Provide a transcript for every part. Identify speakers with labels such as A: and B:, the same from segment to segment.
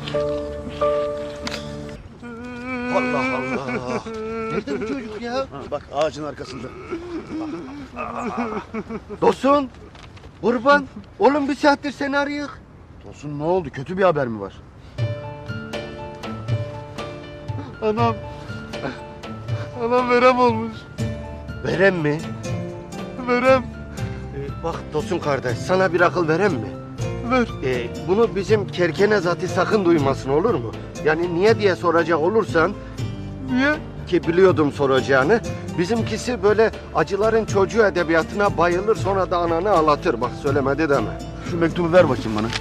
A: Allah Allah. Nerede bu çocuk ya?
B: Bak ağacın arkasında.
A: Tosun, kurban. Oğlum bir saattir seni arayık.
B: Tosun ne oldu? Kötü bir haber mi var?
C: Anam. Anam verem olmuş.
A: Verem mi?
C: Verem.
A: Bak Tosun kardeş, sana bir akıl verem mi?
C: Ver.
A: Bunu bizim kerkene zati sakın duymasın, olur mu? Yani niye diye soracak olursan,
C: Niye?
A: ki biliyordum soracağını. Bizimkisi böyle acıların çocuğu edebiyatına bayılır, sonra da ananı ağlatır. Bak söylemedi deme.
B: Şu mektubu ver bakayım bana.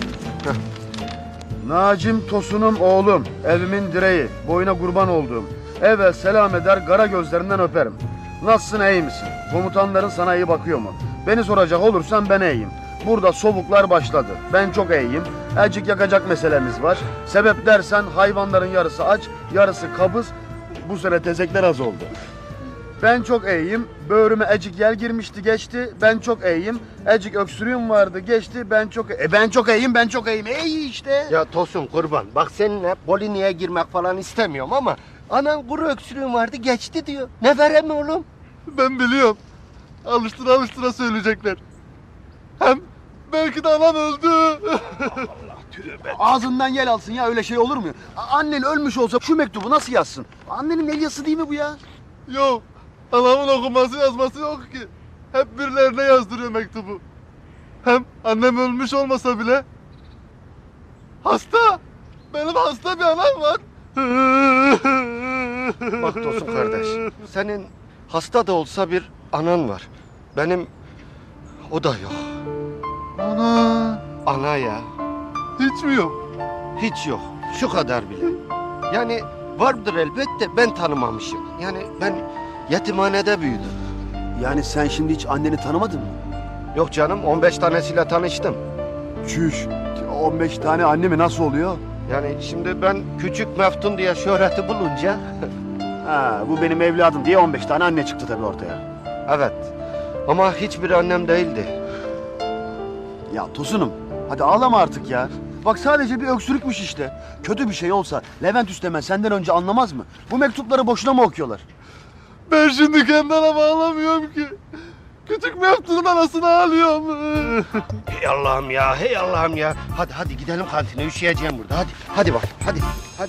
B: Nacim Tosun'um oğlum, evimin direği, boyuna kurban olduğum. Evvel selam eder, kara gözlerinden öperim. Nasılsın, iyi misin? Komutanların sana iyi bakıyor mu? Beni soracak olursan ben iyiyim. Burada soğuklar başladı. Ben çok iyiyim. Elcik yakacak meselemiz var. Sebep dersen hayvanların yarısı aç, yarısı kabız. Bu sene tezekler az oldu. Ben çok iyiyim. Böğrüme ecik yel girmişti geçti. Ben çok iyiyim. Ecik öksürüğüm vardı geçti. Ben çok ben çok iyiyim. Ben çok iyiyim. İyi işte.
A: Ya Tosun kurban, bak seninle Polini'ye girmek falan istemiyorum ama anan kuru öksürüğün vardı geçti diyor. Ne verem mi oğlum?
C: Ben biliyorum. Alıştıra alıştıra söyleyecekler. Hem belki de anam öldü.
B: Ağzından yel alsın ya, öyle şey olur mu? Annen ölmüş olsa şu mektubu nasıl yazsın? Annenin el yazısı değil mi bu ya?
C: Yok. Anamın okuması yazması yok ki. Hep birilerine yazdırıyor mektubu. Hem annem ölmüş olmasa bile hasta. Benim hasta bir anam var.
A: Bak Tosun kardeş, senin hasta da olsa bir anan var. Benim o da yok.
C: Ana.
A: Ana ya,
C: Hiç mi yok?
A: hiç yok. Şu kadar bile. Yani vardır elbette, ben tanımamışım. Yani ben yetimhanede büyüdüm.
B: Yani sen şimdi hiç anneni tanımadın mı?
A: Yok canım, 15 tanesiyle tanıştım.
B: Çüş. 15 tane anne mi, nasıl oluyor?
A: Yani şimdi ben küçük meftun diye şöhreti bulunca...
B: Ha, bu benim evladım diye 15 tane anne çıktı tabii ortaya.
A: Evet, ama hiçbir annem değildi.
B: Ya Tosunum, hadi ağlama artık ya. Bak sadece bir öksürükmüş işte. Kötü bir şey olsa Levent Üstemen senden önce anlamaz mı? Bu mektupları boşuna mı okuyorlar?
C: Ben şimdi kendi anama ağlamıyorum ki. Küçük Meftun'un anasını ağlıyorum.
A: Hey Allah'ım ya, hey Allah'ım ya. Hadi hadi gidelim kantine, üşüyeceğim burada. Hadi, hadi bak, hadi. Hadi.